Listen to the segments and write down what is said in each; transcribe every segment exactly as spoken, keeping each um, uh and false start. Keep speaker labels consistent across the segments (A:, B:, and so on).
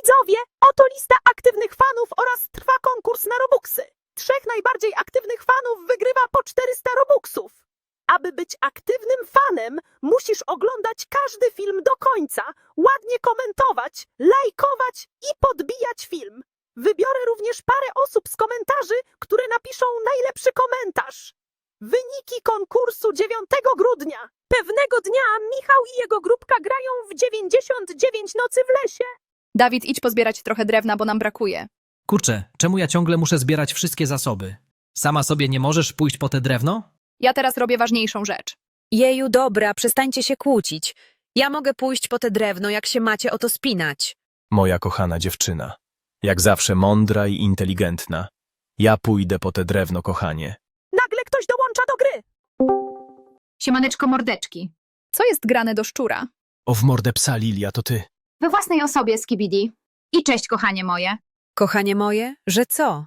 A: Widzowie, oto lista aktywnych fanów oraz trwa konkurs na Robuxy. Trzech najbardziej aktywnych fanów wygrywa po czterysta Robuxów. Aby być aktywnym fanem, musisz oglądać każdy film do końca, ładnie komentować, lajkować i podbijać film. Wybiorę również parę osób z komentarzy, które napiszą najlepszy komentarz. Wyniki konkursu dziewiątego grudnia. Pewnego dnia Michał i jego grupka grają w dziewięćdziesiąt dziewięć nocy w lesie.
B: Dawid, idź pozbierać trochę drewna, bo nam brakuje.
C: Kurczę, czemu ja ciągle muszę zbierać wszystkie zasoby? Sama sobie nie możesz pójść po te drewno?
B: Ja teraz robię ważniejszą rzecz.
D: Jeju, dobra, przestańcie się kłócić. Ja mogę pójść po te drewno, jak się macie o to spinać.
E: Moja kochana dziewczyna. Jak zawsze mądra i inteligentna. Ja pójdę po te drewno, kochanie.
A: Nagle ktoś dołącza do gry.
F: Siemaneczko mordeczki.
B: Co jest grane do szczura?
E: O w mordę psa, Lilia, to ty.
F: We własnej osobie, Skibidi. I cześć, kochanie moje.
D: Kochanie moje, że co?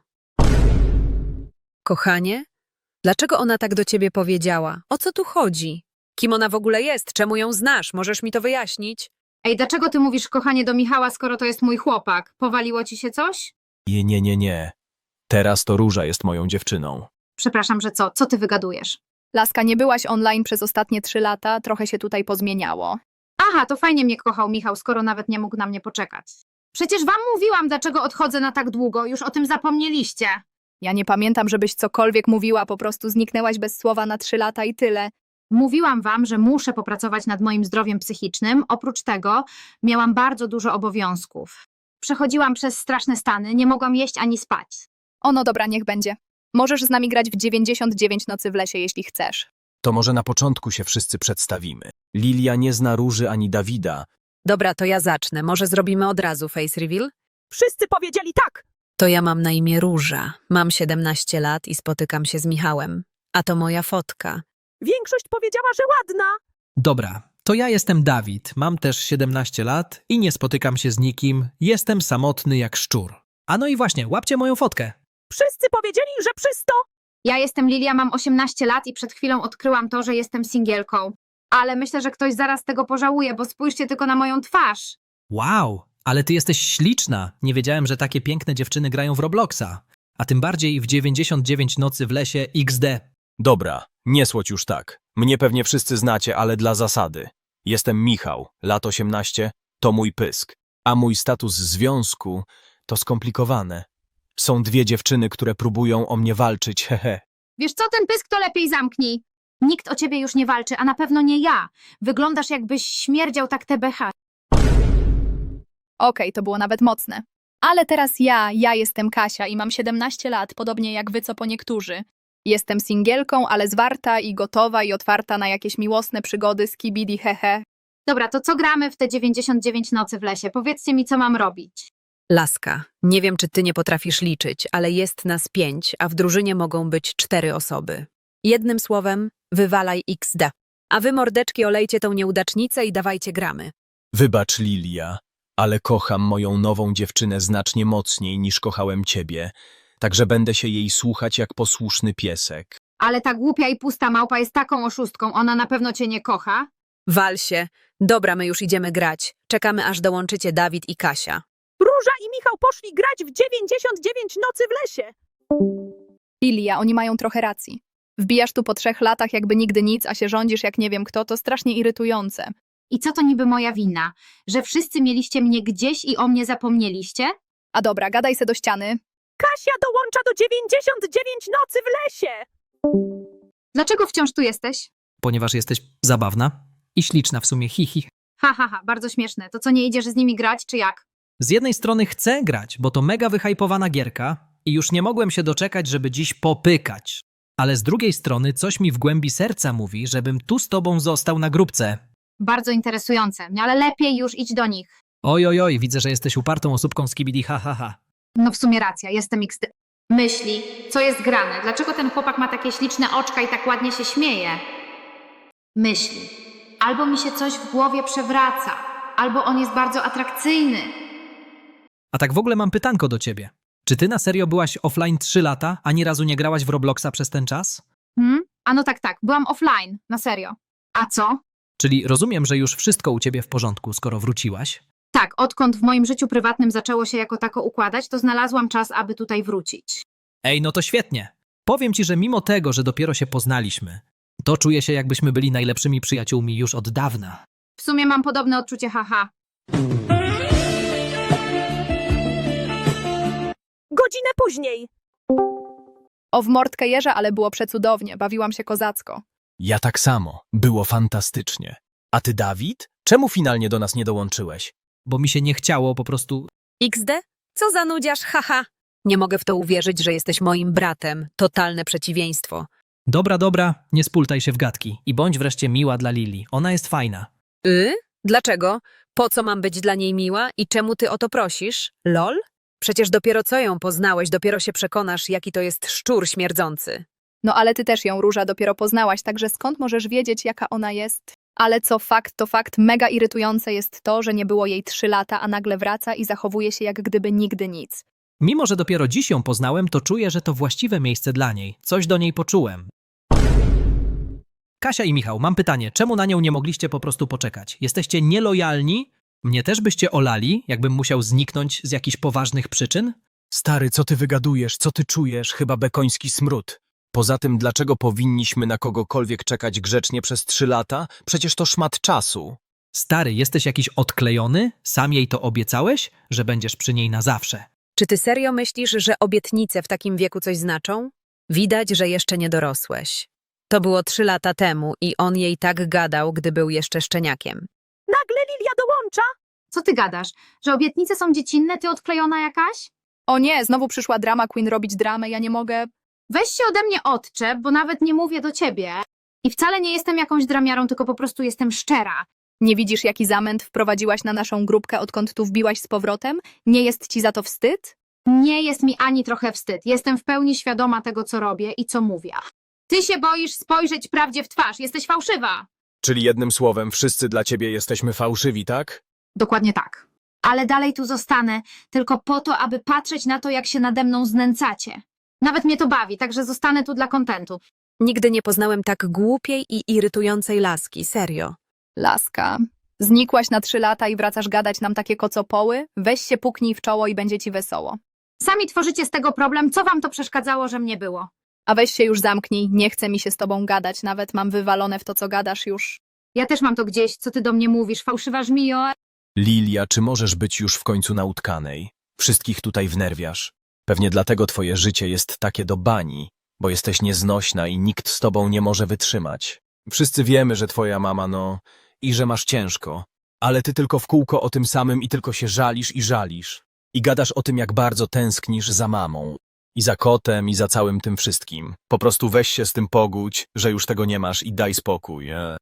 D: Kochanie? Dlaczego ona tak do ciebie powiedziała? O co tu chodzi? Kim ona w ogóle jest? Czemu ją znasz? Możesz mi to wyjaśnić?
F: Ej, dlaczego ty mówisz kochanie do Michała, skoro to jest mój chłopak? Powaliło ci się coś?
E: Nie, nie, nie, nie. Teraz to Róża jest moją dziewczyną.
F: Przepraszam, że co? Co ty wygadujesz?
B: Laska, nie byłaś online przez ostatnie trzy lata, trochę się tutaj pozmieniało.
F: Aha, to fajnie mnie kochał Michał, skoro nawet nie mógł na mnie poczekać. Przecież wam mówiłam, dlaczego odchodzę na tak długo. Już o tym zapomnieliście.
B: Ja nie pamiętam, żebyś cokolwiek mówiła, po prostu zniknęłaś bez słowa na trzy lata i tyle.
F: Mówiłam wam, że muszę popracować nad moim zdrowiem psychicznym. Oprócz tego miałam bardzo dużo obowiązków. Przechodziłam przez straszne stany, nie mogłam jeść ani spać.
B: O no dobra, niech będzie. Możesz z nami grać w dziewięćdziesiąt dziewięć nocy w lesie, jeśli chcesz.
E: To może na początku się wszyscy przedstawimy. Lilia nie zna Róży ani Dawida.
D: Dobra, to ja zacznę. Może zrobimy od razu face reveal?
A: Wszyscy powiedzieli tak.
D: To ja mam na imię Róża. Mam siedemnaście lat i spotykam się z Michałem. A to moja fotka.
A: Większość powiedziała, że ładna.
C: Dobra, to ja jestem Dawid, mam też siedemnaście lat i nie spotykam się z nikim, jestem samotny jak szczur. A no i właśnie, łapcie moją fotkę.
A: Wszyscy powiedzieli, że przysto.
F: Ja jestem Lilia, mam osiemnaście lat i przed chwilą odkryłam to, że jestem singielką. Ale myślę, że ktoś zaraz tego pożałuje, bo spójrzcie tylko na moją twarz.
C: Wow, ale ty jesteś śliczna. Nie wiedziałem, że takie piękne dziewczyny grają w Robloxa. A tym bardziej w dziewięćdziesiąt dziewięć nocy w lesie iks de.
E: Dobra, nie słodź już tak. Mnie pewnie wszyscy znacie, ale dla zasady. Jestem Michał, lat osiemnaście, to mój pysk. A mój status związku to skomplikowane. Są dwie dziewczyny, które próbują o mnie walczyć, hehe.
F: Wiesz co, ten pysk to lepiej zamknij. Nikt o ciebie już nie walczy, a na pewno nie ja. Wyglądasz jakbyś śmierdział tak te becha.
B: Okej, to było nawet mocne. Ale teraz ja, ja jestem Kasia i mam siedemnaście lat, podobnie jak wy co po niektórzy. Jestem singielką, ale zwarta i gotowa i otwarta na jakieś miłosne przygody z kibidi hehe.
F: Dobra, to co gramy w te dziewięćdziesiąt dziewięć nocy w lesie? Powiedzcie mi, co mam robić.
D: Laska, nie wiem, czy ty nie potrafisz liczyć, ale jest nas pięć, a w drużynie mogą być cztery osoby. Jednym słowem, wywalaj iks de. A wy, mordeczki, olejcie tą nieudacznicę i dawajcie gramy.
E: Wybacz, Lilia, ale kocham moją nową dziewczynę znacznie mocniej niż kochałem ciebie, także będę się jej słuchać jak posłuszny piesek.
F: Ale ta głupia i pusta małpa jest taką oszustką, ona na pewno cię nie kocha.
D: Wal się. Dobra, my już idziemy grać. Czekamy, aż dołączycie Dawid i Kasia.
A: Róża i Michał poszli grać w dziewięćdziesiąt dziewięć nocy w lesie.
B: Lilia, oni mają trochę racji. Wbijasz tu po trzech latach jakby nigdy nic, a się rządzisz jak nie wiem kto, to strasznie irytujące.
F: I co to niby moja wina? Że wszyscy mieliście mnie gdzieś i o mnie zapomnieliście?
B: A dobra, gadaj se do ściany.
A: Kasia dołącza do dziewięćdziesiąt dziewięć nocy w lesie.
F: Dlaczego wciąż tu jesteś?
C: Ponieważ jesteś zabawna i śliczna w sumie, hihi.
F: Ha, ha, ha, bardzo śmieszne. To co, nie idziesz z nimi grać, czy jak?
C: Z jednej strony chcę grać, bo to mega wyhypowana gierka i już nie mogłem się doczekać, żeby dziś popykać. Ale z drugiej strony coś mi w głębi serca mówi, żebym tu z tobą został na grupce.
F: Bardzo interesujące, no ale lepiej już idź do nich.
C: Oj, oj, oj, widzę, że jesteś upartą osóbką z kibidi, ha, ha, ha.
F: No w sumie racja, jestem X D. Myśli, co jest grane? Dlaczego ten chłopak ma takie śliczne oczka i tak ładnie się śmieje? Myśli. Albo mi się coś w głowie przewraca, albo on jest bardzo atrakcyjny.
C: A tak w ogóle mam pytanko do ciebie. Czy ty na serio byłaś offline trzy lata, a ani razu nie grałaś w Robloxa przez ten czas?
F: Hmm? A no tak, tak, byłam offline, na serio. A co?
C: Czyli rozumiem, że już wszystko u ciebie w porządku, skoro wróciłaś?
F: Tak, odkąd w moim życiu prywatnym zaczęło się jako tako układać, to znalazłam czas, aby tutaj wrócić.
C: Ej, no to świetnie. Powiem ci, że mimo tego, że dopiero się poznaliśmy, to czuję się, jakbyśmy byli najlepszymi przyjaciółmi już od dawna.
F: W sumie mam podobne odczucie, haha.
A: Godzinę później.
B: O w mordkę jeża, ale było przecudownie, bawiłam się kozacko.
E: Ja tak samo. Było fantastycznie. A ty, Dawid? Czemu finalnie do nas nie dołączyłeś?
C: Bo mi się nie chciało po prostu...
D: iks de? Co za nudziarz, haha. Nie mogę w to uwierzyć, że jesteś moim bratem. Totalne przeciwieństwo.
C: Dobra, dobra, nie spultaj się w gadki i bądź wreszcie miła dla Lili. Ona jest fajna.
D: Y? Dlaczego? Po co mam być dla niej miła i czemu ty o to prosisz? Lol? Przecież dopiero co ją poznałeś, dopiero się przekonasz, jaki to jest szczur śmierdzący.
B: No ale ty też ją, Róża, dopiero poznałaś, także skąd możesz wiedzieć, jaka ona jest? Ale co fakt, to fakt, mega irytujące jest to, że nie było jej trzy lata, a nagle wraca i zachowuje się jak gdyby nigdy nic.
C: Mimo, że dopiero dziś ją poznałem, to czuję, że to właściwe miejsce dla niej. Coś do niej poczułem. Kasia i Michał, mam pytanie. Czemu na nią nie mogliście po prostu poczekać? Jesteście nielojalni? Mnie też byście olali, jakbym musiał zniknąć z jakichś poważnych przyczyn?
E: Stary, co ty wygadujesz? Co ty czujesz? Chyba bekoński smród. Poza tym, dlaczego powinniśmy na kogokolwiek czekać grzecznie przez trzy lata? Przecież to szmat czasu.
C: Stary, jesteś jakiś odklejony? Sam jej to obiecałeś, że będziesz przy niej na zawsze.
D: Czy ty serio myślisz, że obietnice w takim wieku coś znaczą? Widać, że jeszcze nie dorosłeś. To było trzy lata temu i on jej tak gadał, gdy był jeszcze szczeniakiem.
A: Nagle Lilia dołącza.
F: Co ty gadasz? Że obietnice są dziecinne, ty odklejona jakaś?
B: O nie, znowu przyszła drama queen robić dramę, ja nie mogę...
F: Weź się ode mnie odczep, bo nawet nie mówię do ciebie. I wcale nie jestem jakąś dramiarą, tylko po prostu jestem szczera.
B: Nie widzisz, jaki zamęt wprowadziłaś na naszą grupkę, odkąd tu wbiłaś z powrotem? Nie jest ci za to wstyd?
F: Nie jest mi ani trochę wstyd. Jestem w pełni świadoma tego, co robię i co mówię. Ty się boisz spojrzeć prawdzie w twarz. Jesteś fałszywa.
E: Czyli jednym słowem, wszyscy dla ciebie jesteśmy fałszywi, tak?
F: Dokładnie tak. Ale dalej tu zostanę, tylko po to, aby patrzeć na to, jak się nade mną znęcacie. Nawet mnie to bawi, także zostanę tu dla kontentu.
D: Nigdy nie poznałem tak głupiej i irytującej laski, serio.
B: Laska. Znikłaś na trzy lata i wracasz gadać nam takie kocopoły? Weź się puknij w czoło i będzie ci wesoło.
F: Sami tworzycie z tego problem, co wam to przeszkadzało, że mnie było?
B: A weź się już zamknij, nie chce mi się z tobą gadać, nawet mam wywalone w to, co gadasz już.
F: Ja też mam to gdzieś, co ty do mnie mówisz, fałszywa żmijo.
E: Lilia, czy możesz być już w końcu na utkanej? Wszystkich tutaj wnerwiasz. Pewnie dlatego twoje życie jest takie do bani, bo jesteś nieznośna i nikt z tobą nie może wytrzymać. Wszyscy wiemy, że twoja mama, no, i że masz ciężko, ale ty tylko w kółko o tym samym i tylko się żalisz i żalisz. I gadasz o tym, jak bardzo tęsknisz za mamą. I za kotem, i za całym tym wszystkim. Po prostu weź się z tym pogódź, że już tego nie masz i daj spokój. E?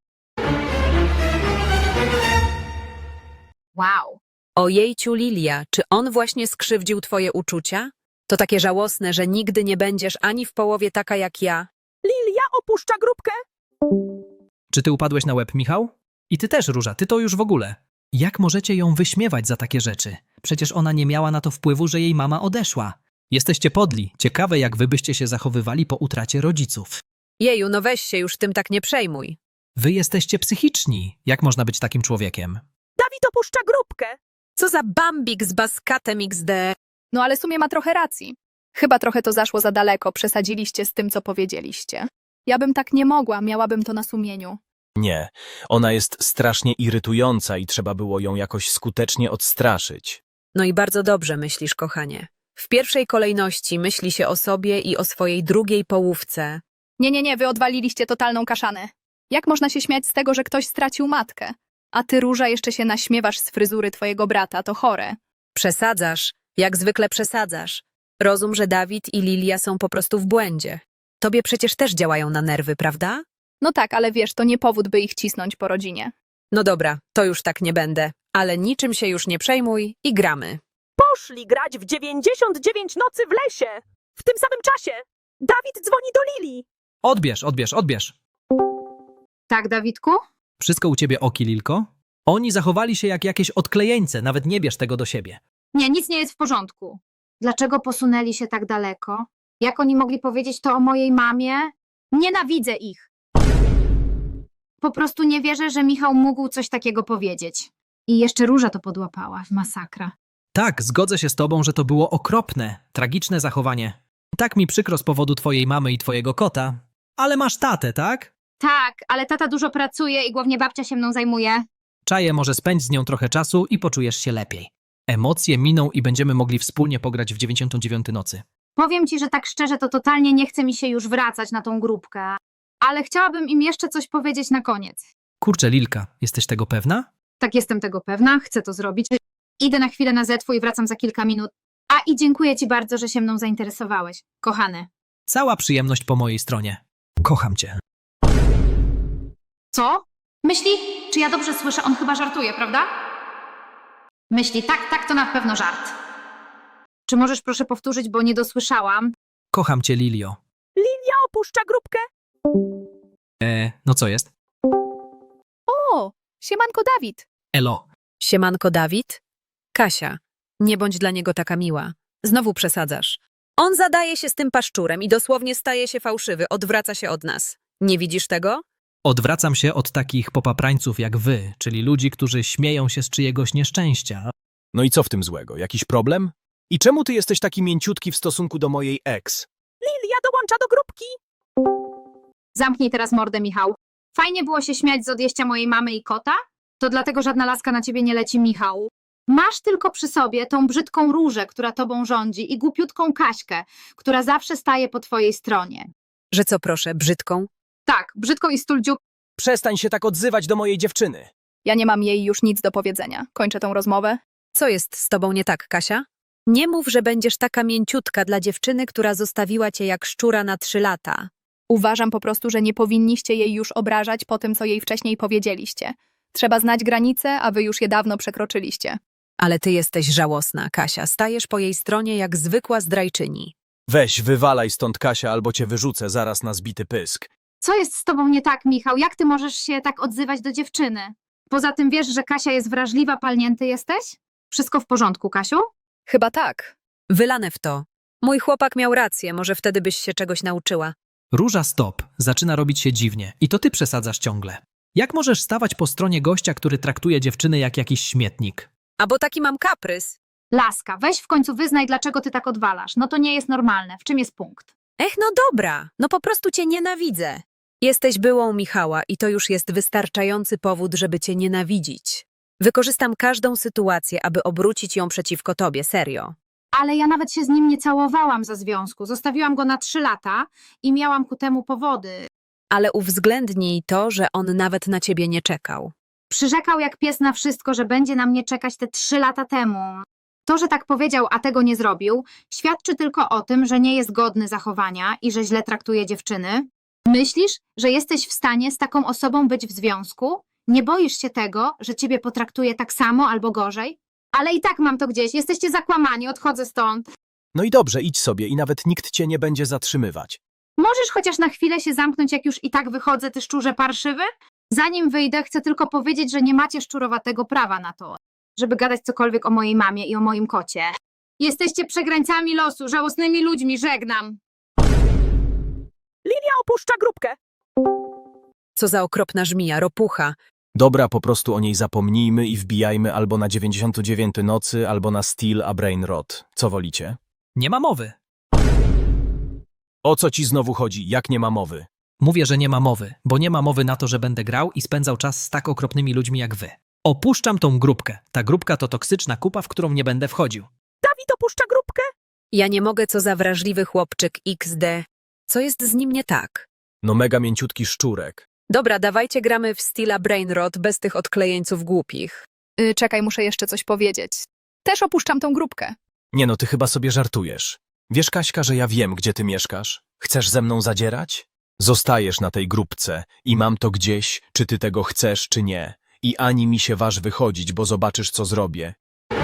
F: Wow.
D: Ojejciu, Lilia, czy on właśnie skrzywdził twoje uczucia? To takie żałosne, że nigdy nie będziesz ani w połowie taka jak ja.
A: Lilia opuszcza grupkę.
C: Czy ty upadłeś na łeb, Michał? I ty też, Róża, ty to już w ogóle. Jak możecie ją wyśmiewać za takie rzeczy? Przecież ona nie miała na to wpływu, że jej mama odeszła. Jesteście podli. Ciekawe, jak wy byście się zachowywali po utracie rodziców.
D: Jeju, no weź się już tym tak nie przejmuj.
C: Wy jesteście psychiczni. Jak można być takim człowiekiem?
A: Dawid opuszcza grupkę.
D: Co za bambik z baskatem iks de.
B: No ale w sumie ma trochę racji. Chyba trochę to zaszło za daleko, przesadziliście z tym, co powiedzieliście. Ja bym tak nie mogła, miałabym to na sumieniu.
E: Nie, ona jest strasznie irytująca i trzeba było ją jakoś skutecznie odstraszyć.
D: No i bardzo dobrze myślisz, kochanie. W pierwszej kolejności myśli się o sobie i o swojej drugiej połówce.
B: Nie, nie, nie, wy odwaliliście totalną kaszanę. Jak można się śmiać z tego, że ktoś stracił matkę? A ty, Róża, jeszcze się naśmiewasz z fryzury twojego brata, to chore.
D: Przesadzasz, jak zwykle przesadzasz. Rozum, że Dawid i Lilia są po prostu w błędzie. Tobie przecież też działają na nerwy, prawda?
B: No tak, ale wiesz, to nie powód, by ich cisnąć po rodzinie.
D: No dobra, to już tak nie będę, ale niczym się już nie przejmuj i gramy.
A: Poszli grać w dziewięćdziesiąt dziewięć nocy w lesie. W tym samym czasie. Dawid dzwoni do Lili.
C: Odbierz, odbierz, odbierz.
F: Tak, Dawidku?
C: Wszystko u ciebie oki, Lilko? Oni zachowali się jak jakieś odklejeńce, nawet nie bierz tego do siebie.
F: Nie, nic nie jest w porządku. Dlaczego posunęli się tak daleko? Jak oni mogli powiedzieć to o mojej mamie? Nienawidzę ich. Po prostu nie wierzę, że Michał mógł coś takiego powiedzieć. I jeszcze Róża to podłapała. Masakra.
C: Tak, zgodzę się z tobą, że to było okropne, tragiczne zachowanie. Tak mi przykro z powodu twojej mamy i twojego kota. Ale masz tatę, tak?
F: Tak, ale tata dużo pracuje i głównie babcia się mną zajmuje.
C: Czaję, może spędź z nią trochę czasu i poczujesz się lepiej. Emocje miną i będziemy mogli wspólnie pograć w dziewięćdziesiątą dziewiątą nocy.
F: Powiem ci, że tak szczerze, to totalnie nie chce mi się już wracać na tą grupkę. Ale chciałabym im jeszcze coś powiedzieć na koniec.
C: Kurczę, Lilka, jesteś tego pewna?
F: Tak, jestem tego pewna, chcę to zrobić. Idę na chwilę na zetwu i wracam za kilka minut. A i dziękuję ci bardzo, że się mną zainteresowałeś, kochany.
C: Cała przyjemność po mojej stronie. Kocham cię.
F: Co? Myśli? Czy ja dobrze słyszę? On chyba żartuje, prawda? Myśli, tak, tak, to na pewno żart. Czy możesz proszę powtórzyć, bo nie dosłyszałam?
C: Kocham cię, Lilio.
A: Lilia opuszcza grupkę.
C: E, no co jest?
B: O, siemanko Dawid.
C: Elo.
D: Siemanko, Dawid? Kasia, nie bądź dla niego taka miła. Znowu przesadzasz. On zadaje się z tym paszczurem i dosłownie staje się fałszywy, odwraca się od nas. Nie widzisz tego?
C: Odwracam się od takich popaprańców jak wy, czyli ludzi, którzy śmieją się z czyjegoś nieszczęścia.
E: No i co w tym złego? Jakiś problem? I czemu ty jesteś taki mięciutki w stosunku do mojej ex?
A: Lilia dołącza do grupki.
F: Zamknij teraz mordę, Michał. Fajnie było się śmiać z odjścia mojej mamy i kota? To dlatego żadna laska na ciebie nie leci, Michał. Masz tylko przy sobie tą brzydką Różę, która tobą rządzi i głupiutką Kaśkę, która zawsze staje po twojej stronie.
D: Że co proszę, brzydką?
F: Tak, brzydką i stuldziu.
E: Przestań się tak odzywać do mojej dziewczyny.
B: Ja nie mam jej już nic do powiedzenia. Kończę tą rozmowę.
D: Co jest z tobą nie tak, Kasia? Nie mów, że będziesz taka mięciutka dla dziewczyny, która zostawiła cię jak szczura na trzy lata.
B: Uważam po prostu, że nie powinniście jej już obrażać po tym, co jej wcześniej powiedzieliście. Trzeba znać granice, a wy już je dawno przekroczyliście.
D: Ale ty jesteś żałosna, Kasia. Stajesz po jej stronie jak zwykła zdrajczyni.
E: Weź, wywalaj stąd, Kasia, albo cię wyrzucę zaraz na zbity pysk.
F: Co jest z tobą nie tak, Michał? Jak ty możesz się tak odzywać do dziewczyny? Poza tym wiesz, że Kasia jest wrażliwa, palnięty jesteś? Wszystko w porządku, Kasiu?
B: Chyba tak.
D: Wylane w to. Mój chłopak miał rację, może wtedy byś się czegoś nauczyła.
C: Róża, stop. Zaczyna robić się dziwnie. I to ty przesadzasz ciągle. Jak możesz stawać po stronie gościa, który traktuje dziewczyny jak jakiś śmietnik?
D: A bo taki mam kaprys.
F: Laska, weź w końcu wyznaj, dlaczego ty tak odwalasz. No to nie jest normalne. W czym jest punkt?
D: Ech, no dobra, no po prostu cię nienawidzę. Jesteś byłą Michała i to już jest wystarczający powód, żeby cię nienawidzić. Wykorzystam każdą sytuację, aby obrócić ją przeciwko tobie, serio.
F: Ale ja nawet się z nim nie całowałam za związku. Zostawiłam go na trzy lata i miałam ku temu powody.
D: Ale uwzględnij to, że on nawet na ciebie nie czekał.
F: Przyrzekał jak pies na wszystko, że będzie na mnie czekać te trzy lata temu. To, że tak powiedział, a tego nie zrobił, świadczy tylko o tym, że nie jest godny zachowania i że źle traktuje dziewczyny. Myślisz, że jesteś w stanie z taką osobą być w związku? Nie boisz się tego, że ciebie potraktuje tak samo albo gorzej? Ale i tak mam to gdzieś. Jesteście zakłamani, odchodzę stąd.
E: No i dobrze, idź sobie i nawet nikt cię nie będzie zatrzymywać.
F: Możesz chociaż na chwilę się zamknąć, jak już i tak wychodzę, ty szczurze parszywy? Zanim wyjdę, chcę tylko powiedzieć, że nie macie szczurowatego prawa na to, żeby gadać cokolwiek o mojej mamie i o moim kocie. Jesteście przegrańcami losu, żałosnymi ludźmi, żegnam.
A: Lilia opuszcza grupkę.
D: Co za okropna żmija, ropucha.
E: Dobra, po prostu o niej zapomnijmy i wbijajmy albo na dziewięćdziesiątą dziewiątą nocy, albo na Steel a Brain Rot. Co wolicie?
C: Nie ma mowy.
E: O co ci znowu chodzi? Jak nie ma mowy?
C: Mówię, że nie ma mowy, bo nie ma mowy na to, że będę grał i spędzał czas z tak okropnymi ludźmi jak wy. Opuszczam tą grupkę. Ta grupka to toksyczna kupa, w którą nie będę wchodził.
A: Dawid opuszcza grupkę.
D: Ja nie mogę, co za wrażliwy chłopczyk iks de. Co jest z nim nie tak?
E: No mega mięciutki szczurek.
D: Dobra, dawajcie gramy w Steela Brainrot bez tych odklejeńców głupich.
B: Y, czekaj, muszę jeszcze coś powiedzieć. Też opuszczam tą grupkę.
E: Nie no, ty chyba sobie żartujesz. Wiesz, Kaśka, że ja wiem, gdzie ty mieszkasz? Chcesz ze mną zadzierać? Zostajesz na tej grupce i mam to gdzieś, czy ty tego chcesz, czy nie. I ani mi się waż wychodzić, bo zobaczysz, co zrobię.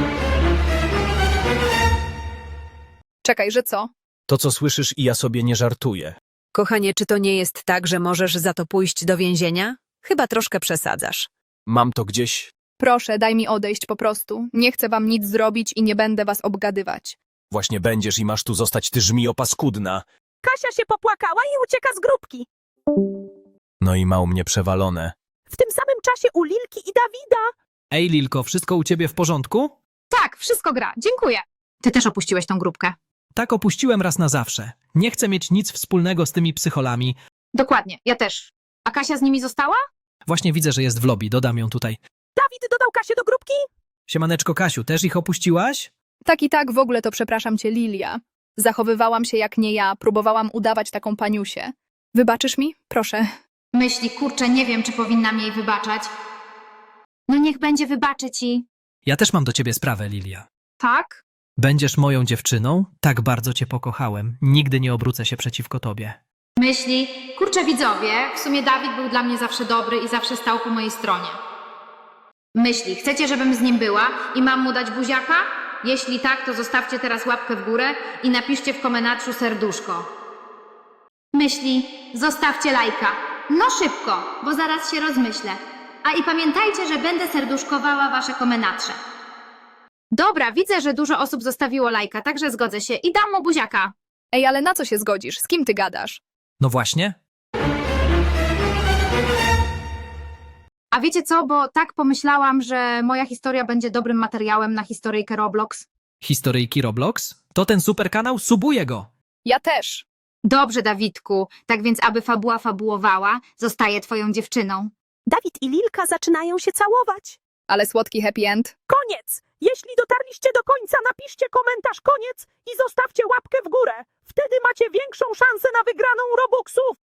B: Czekaj, że co?
E: To, co słyszysz, i ja sobie nie żartuję.
D: Kochanie, czy to nie jest tak, że możesz za to pójść do więzienia? Chyba troszkę przesadzasz.
E: Mam to gdzieś.
B: Proszę, daj mi odejść po prostu. Nie chcę wam nic zrobić i nie będę was obgadywać.
E: Właśnie będziesz i masz tu zostać, ty żmijo paskudna.
A: Kasia się popłakała i ucieka z grupki.
E: No i ma u mnie przewalone.
A: W tym samym czasie u Lilki i Dawida.
C: Ej, Lilko, wszystko u ciebie w porządku?
F: Tak, wszystko gra, dziękuję. Ty też opuściłeś tą grupkę.
C: Tak, opuściłem raz na zawsze. Nie chcę mieć nic wspólnego z tymi psycholami.
F: Dokładnie, ja też. A Kasia z nimi została?
C: Właśnie widzę, że jest w lobby, dodam ją tutaj.
A: Dawid dodał Kasię do grupki?
C: Siemaneczko, Kasiu, też ich opuściłaś?
B: Tak i tak, w ogóle to przepraszam cię, Lilia. Zachowywałam się jak nie ja, próbowałam udawać taką paniusię. Wybaczysz mi? Proszę.
F: Myśli, kurczę, nie wiem, czy powinnam jej wybaczać. No niech będzie, wybaczę ci.
C: Ja też mam do ciebie sprawę, Lilia.
F: Tak?
C: Będziesz moją dziewczyną? Tak bardzo cię pokochałem. Nigdy nie obrócę się przeciwko tobie.
F: Myśli, kurczę widzowie, w sumie Dawid był dla mnie zawsze dobry i zawsze stał po mojej stronie. Myśli, chcecie, żebym z nim była i mam mu dać buziaka? Jeśli tak, to zostawcie teraz łapkę w górę i napiszcie w komentarzu serduszko. Myśli, zostawcie lajka. No szybko, bo zaraz się rozmyślę. A i pamiętajcie, że będę serduszkowała wasze komentarze. Dobra, widzę, że dużo osób zostawiło lajka, także zgodzę się i dam mu buziaka.
B: Ej, ale na co się zgodzisz? Z kim ty gadasz?
C: No właśnie.
F: A wiecie co, bo tak pomyślałam, że moja historia będzie dobrym materiałem na historyjkę Roblox.
C: Historyjki Roblox? To ten super kanał? Subuję go!
B: Ja też.
F: Dobrze, Dawidku, tak więc aby fabuła fabułowała, zostaję twoją dziewczyną.
A: Dawid i Lilka zaczynają się całować.
B: Ale słodki happy end.
A: Koniec! Jeśli dotarliście do końca, napiszcie komentarz koniec i zostawcie łapkę w górę. Wtedy macie większą szansę na wygraną Robuxów.